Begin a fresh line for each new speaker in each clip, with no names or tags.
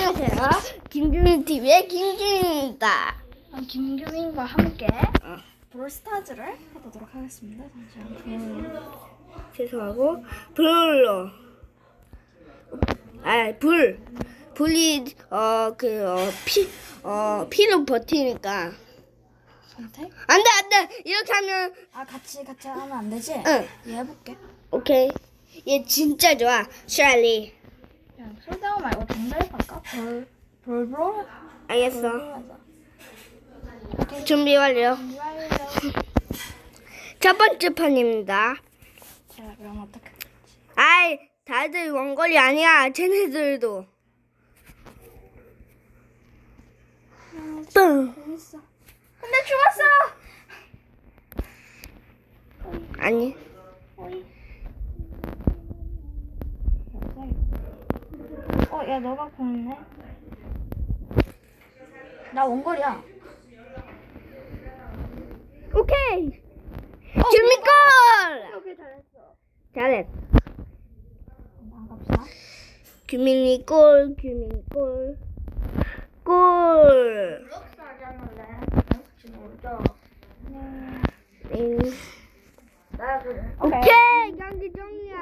안녕하세요. 김규민 TV의 김규민입니다.
김규민과 함께 브롤스타즈를 해보도록 하겠습니다. 잠시만요.
죄송하고 불이 피로 버티니까
선택?
안돼 이렇게 하면
같이 하면 안 되지?
응.
얘 해볼게.
오케이. 얘 진짜 좋아. 샬리.
야, 솔다운 말고 정답 할까? 브롤?
알겠어.
오케이.
준비 완료.
완료.
첫 번째 판입니다.
자, 그럼 어떻게?
아이, 다들 원거리 아니야. 쟤네들도. 뿡.
재밌어. 근데 죽었어.
아니.
어이. 야, 너가 보이네. 나 원거리야.
오케이. 규민골.
오케이, 잘했어.
잘했어.
반갑다.
규민이 골. 골.
블록스 하자는데 혹시 모르죠? 나 그래.
오케이. 경기 종료.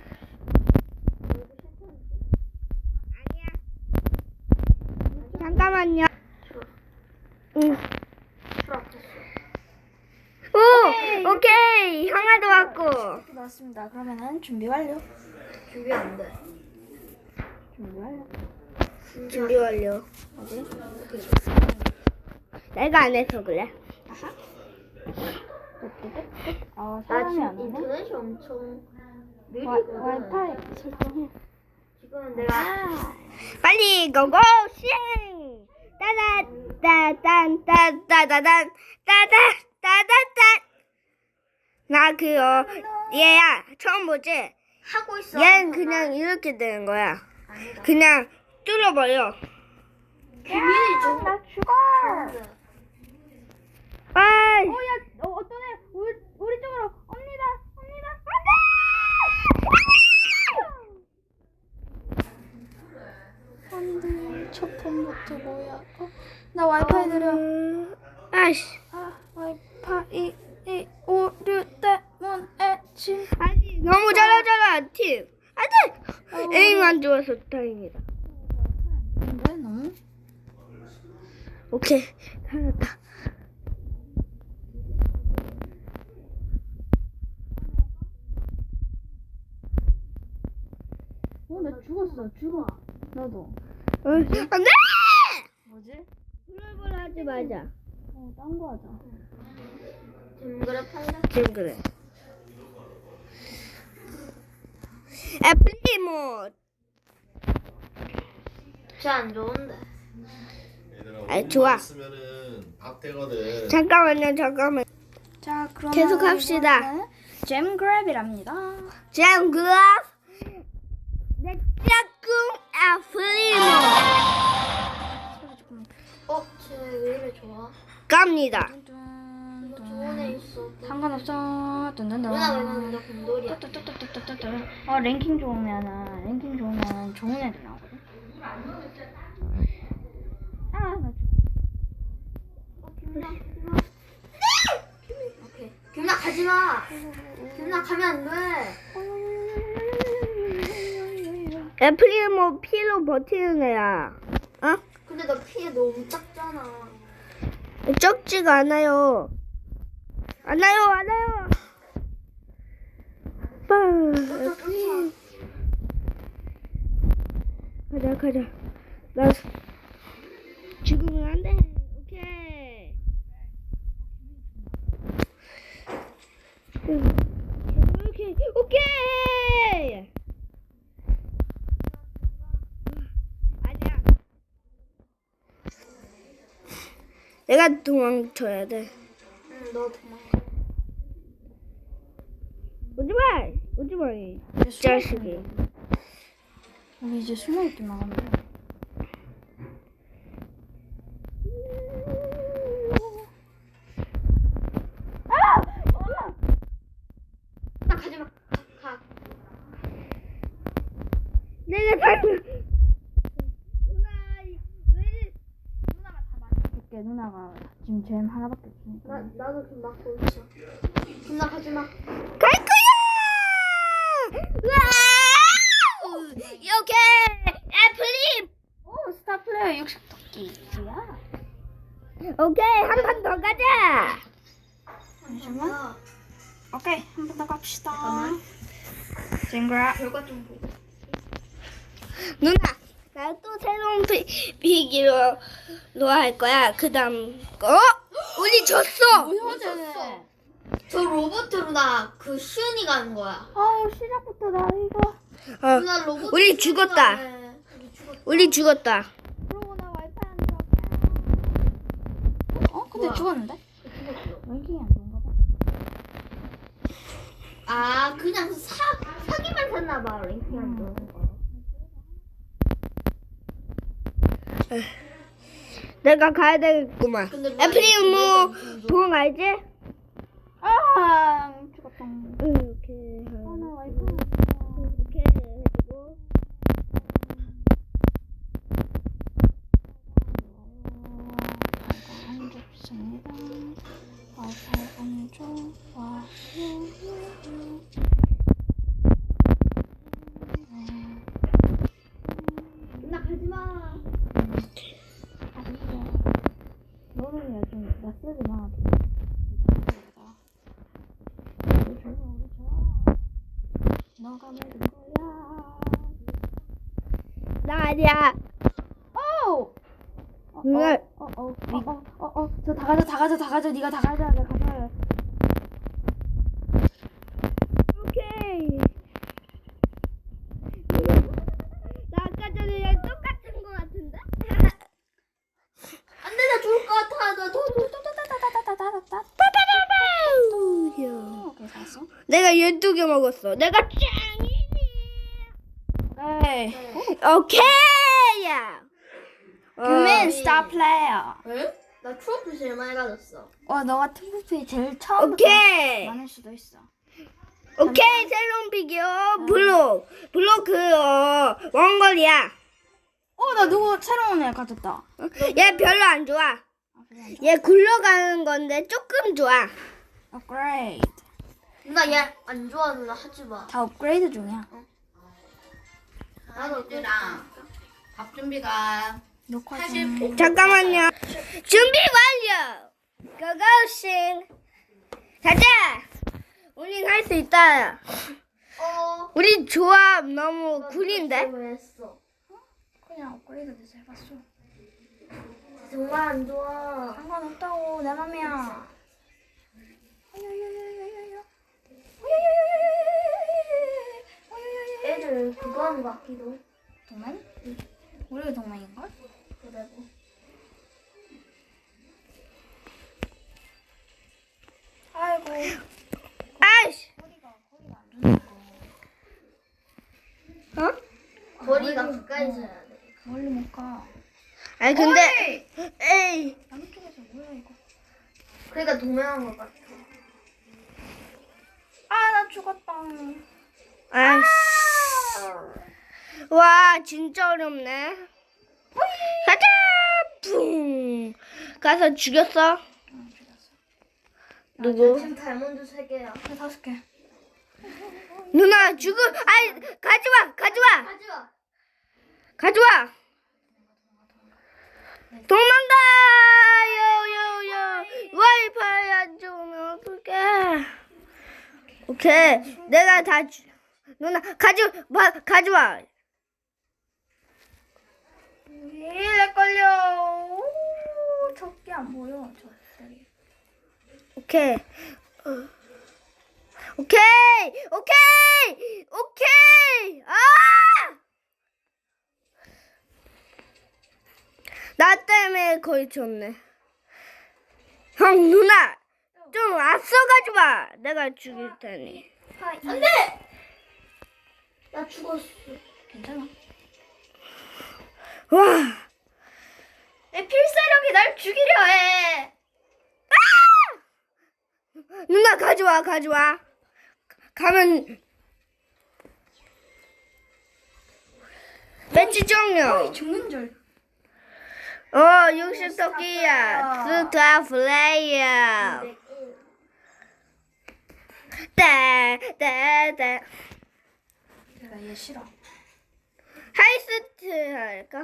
아니야. 잠깐만요. 응. 오케이. 형아도 왔고.
나왔습니다. 그러면은 준비 완료.
준비 안 돼.
준비 완료.
준비 완료.
어디?
내가 안 해서 그래.
아,
나
사람이
지금
안 오네.
인터넷이 엄청 느리거든.
와이파이 설정해.
지금 내가
빨리 고고 싱. 따다따딴따다단 따다따다단. 나 얘야 처음 보지?
하고 있어.
얘는 그냥 이렇게 되는 거야. 그냥 뚫어버려.
규민이 좀
나 죽어.
아이.
야, 어떤 애 우리 쪽으로 옵니다. 안돼. 첫 번부터 뭐야? 나 와이파이 느려.
아이씨.
와이파이 오류 때문에 지금.
아니 너무 잘하잖아 팀. 안돼. 에임 안 좋아서 다행이다.
근데 너무
오케이 살았다.
나 죽어. 너도.
안돼.
뭐지?
불을 하지 말자.
딴 거 하자.
징그럽 한다.
지금 그래. 애플리모.
쟤안 좋은데.
아 좋아.
쓰면은 밥 되거든.
잠깐만.
자, 그러면
계속 합시다.
이번에는 잼 그랩이랍니다.
잼글럽. 내 짝꿍 애플리모.
소리 조금.
쟤 왜 이래 좋아?
갑니다.
이거 좋은 애 있어.
상관없어. 뚠뚠뚠.
누나 왜 나는 나 곰돌이야?
뚜뚜뚜뚜뚜뚜뚜. 랭킹 좋으면 좋은 애들 나오거든. 나
오케이. 규민아 가지 마. 규민아 가면 안 돼.
애플리모 피로 버티는 애야. 어?
근데 너 피해 너무 작잖아.
적지가 않아요. 않아요. 가자. 나 지금은 안 돼. 오케이. 오케이. 아니야. 내가 도망쳐야 돼.
응, 너 도망가.
오지 마. 이
숨어
자식이.
우리 이제 숨어있기만 하면 돼.
나 가지 마. 가.
내가 살면. 누나
누나가 지금 잼 하나밖에 없으니까.
나도 좀 막고 있어. 누나 가지 마.
갈 거야! 와우! 이렇게 애플림!
오, 스타 플레이어 60토끼. 뭐야?
오케이, 한 판 더 가자!
잠시만. 오케이, 한 번 더 갑시다.
잠깐만.
징그라.
결과 좀 보고.
누나, 나 또 새로운 비기로 할 거야. 그 다음 거. 우리 졌어!
뭐야,
저 로봇으로 나 그 시은이가 하는 거야.
아우, 시작부터 나 이거.
어,
누나 로봇.
우리 죽었다.
우리 죽었다.
우리 죽었다.
그러고 나 와이파이 안 들어가. 어? 근데
뭐야?
죽었는데?
죽었어.
랭킹이 안 좋은가 봐.
아 그냥 사기만 샀나 봐. 랭킹 안 좋은 거.
내가 가야 되겠구만.
근데
애플림 뭐 보고 가야지?
아, 죽었다.
이렇게
아, 나 와이파이 안 들어가.
이렇게 해주고.
안 좋습니다. 와이파이 안 좋아.
누나 가지 마.
너는 요즘 나 쓰지 마. 너가 모든 거야.
나 아니야.
오!
누나.
저 다 가져. 네가 다 가져. 내가 가져야 돼.
오케이. 나 아까 전에 똑같은 거 같은데?
안돼 나 죽을 것 같아.
오케이, 잘했어.
내가 12개 먹었어. 내가 짱이니.
에이.
오케이. 야.
유맨 스타 플레이어.
에? 나 트로피 제일 많이 가졌어.
너가 트로피 제일 처음부터
오케이.
많을 수도 있어.
오케이. 새로운 비디오 블록. 블록 원거리야.
나 누구 새로운 애 가졌다.
얘 별로 안 좋아. 얘 굴러가는 건데 조금 좋아.
업그레이드.
누나 얘 안 좋아. 누나 하지 마.
다 업그레이드 중이야.
나도
밥 준비가
녹화
사실
중.
잠깐만요. 준비 완료. 고고싱. 가자. 우린 할 수 있다. 우리 조합 너무 구린데?
왜 했어?
그냥 업그레이드 돼서 해봤어.
정말 안 좋아.
상관없다고 내 맘이야.
애들 그거 하는 것 같기도.
동맹? 우리가 동맹인걸?
그래도.
아이고.
아이씨. 어?
거리가 가까이서 해야 돼.
멀리 못 가.
아니 근데 에이.
양쪽에서 뭐야 이거?
그러니까 동행한 것 같아.
아, 나 죽었다.
아이씨. 와 진짜 어렵네. 가자. 뿡. 가서 죽였어.
죽였어.
누구?
지금 다이몬드 3개야.
나 5개.
누나 죽음. 아이 가져와.
하지마.
가져와. 도망가. 요요요. 와이파이 안 좋으면 어떡해. 오케이. 내가 다 누나 가져와.
렉 걸려. 오, 적게 안 보여. 저들이.
오케이. 아! 나 때문에 거의 졌네. 형 누나 좀 앞서가지 마. 내가 죽일 테니.
안돼. 나 죽었어.
괜찮아.
와.
내 필사력이 날 죽이려 해.
누나 가져와. 가면 매치 종료.
죽는 줄.
60 토끼야. 스타 플레이어. 따따따.
내가 얘 싫어.
하이스트 할까?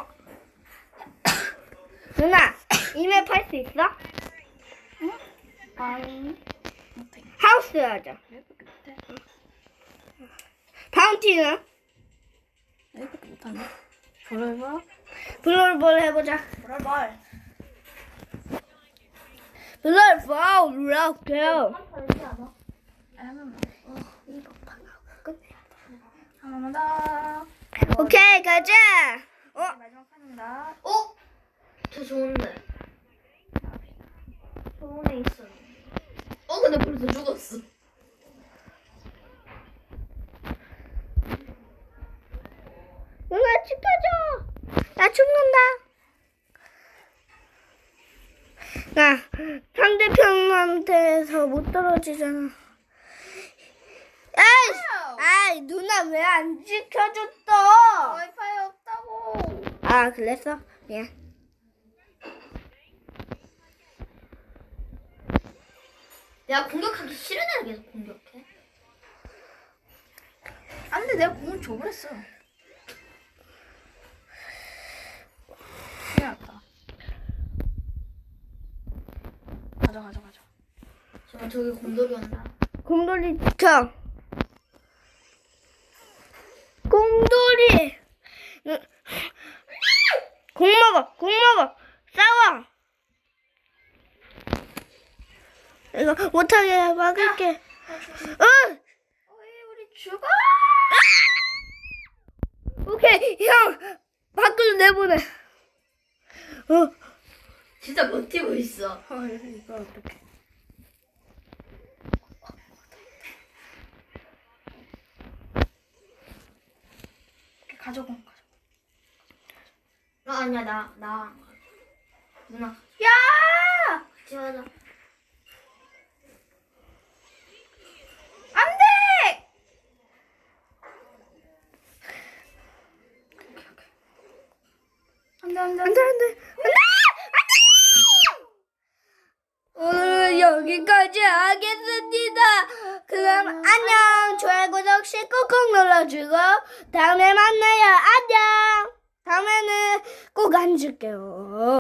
누나, 이맵 할 수 있어?
아니 못해.
하우스 하자.
얘밖에 못해.
바운티는?
얘밖에 못하네. 볼볼.
블롤볼 해보자.
볼볼.
블롤볼, 이렇게.
한 번만 더.
오케이, 가자.
마지막 판입니다.
저 좋은데. 좋은 애 있어. 근데 벌써 죽었어.
누나 지켜줘. 나 죽는다. 나 상대편한테서 못 떨어지잖아. 아이, 누나 왜 안 지켜줬어?
와이파이 없다고.
아, 그랬어? 예.
내가 공격하기 싫은 애를 계속 공격해.
안 돼, 내가 공을 줘버렸어. 큰일 났다. 가자.
지금 저기 곰돌이 온다.
곰돌이 지켜. 곰돌이. 공 먹어. 싸워. 이거 못하게 막을게.
우리 죽어.
오케이, 형. 밖으로 내보내.
진짜 버티고 있어.
이거 어떡해. 가져공.
아니야 나 누나. 야! 같이 가자.
안 돼! 안 돼.
오늘은 여기까지 하겠습니다. 그럼 안녕. 좋아요, 구독, 꾹꾹 눌러주고 다음에 만나요. 안녕. 다음에는 꼭 앉을게요.